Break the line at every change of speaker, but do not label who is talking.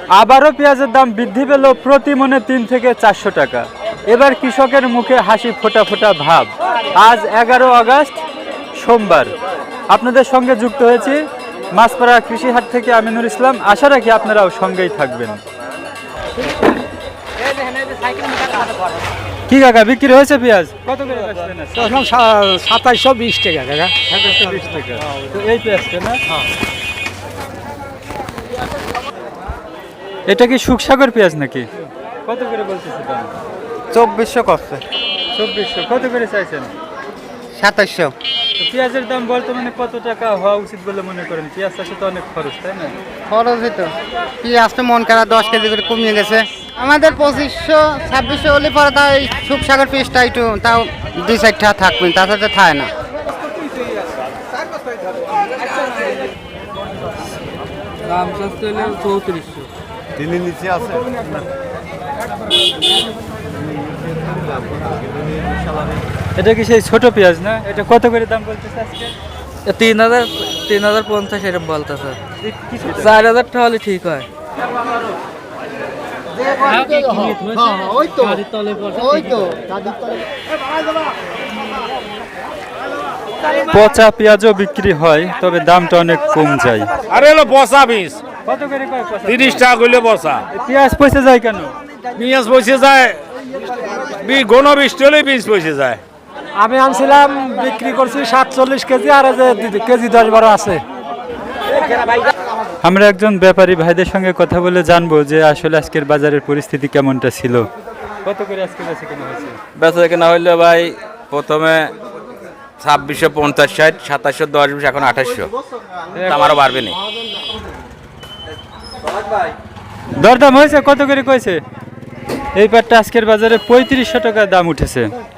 আবারও পেঁয়াজের দাম বৃদ্ধি পেল প্রতি মনে 3 থেকে 400 টাকা। এবার কৃষকের মুখে হাসি ফোটা ফোটা ভাব। আজ 11 আগস্ট সোমবার আপনাদের সঙ্গে যুক্ত হয়েছি মাছপাড়া কৃষি হাট থেকে আমিনুর ইসলাম। আশা রাখি আপনারাও সঙ্গেই থাকবেন। কি কাকা বিক্রি হয়েছে পেঁয়াজ কত করে বেচলেন?
2720 টাকা কাকা।
2720 টাকা। তো এই পেঁয়াজটা না? এটা কি সুখসাগর পেঁয়াজ নাকি? কত করে বলতেছে দাম?
2400 করছে।
2400। কত করে চাইছেন?
2700।
তো পেঁয়াজের দাম বর্তমানে কত টাকা হওয়া উচিত বলে মনে করেন? পেঁয়াজ চাষে তো অনেক খরচ, তাই না?
খরচই তো। পেঁয়াজ তো মন করা 10 কেজি করে কমিয়ে গেছে। আমাদের 2500-2600 হলে পরে তাও এই সুখসাগর পেঁয়াজটা একটু তাও 2-4 টাকা থাকবে, তাছাড়া থাকে না।
দাম সস্তা হলে 3400।
দিনের নিচে আছে।
এটা কি সেই ছোট পেঁয়াজ না? এটা কত করে দাম বলতেছে আজকে?
3050 এরকম বলতেছে। 4000 টাকা হলে ঠিক হয়।
পচা পেঁয়াজও বিক্রি হয়, তবে দামটা অনেক কম যায়।
আরে হলো বসা বীজ
কত করে কয় পচা?
30 টাকা করলে বসা।
পেঁয়াজ পচে যায় কেন?
পেঁয়াজ পয়সে যায়, ঘন বৃষ্টি হলে বীজ পয়সে যায়।
আমি আনছিলাম, বিক্রি করছি 47 কেজি, আর কেজি 10-12 আছে।
আমরা একজন ব্যাপারী ভাইদের সঙ্গে কথা বলে জানবো যে আসলে আজকের বাজারের পরিস্থিতি কেমনটা ছিল। কত করে আজকে বেচে কেনা হয়েছে?
বেচা কেনা হইলে ভাই প্রথমে 2650, 60, 2710, 20, এখন 2800। আমারও বাড়বে না।
দরদাম হয়েছে কত করে কইছে? এই পাটটা আজকের বাজারে 3500 টাকা দাম উঠেছে।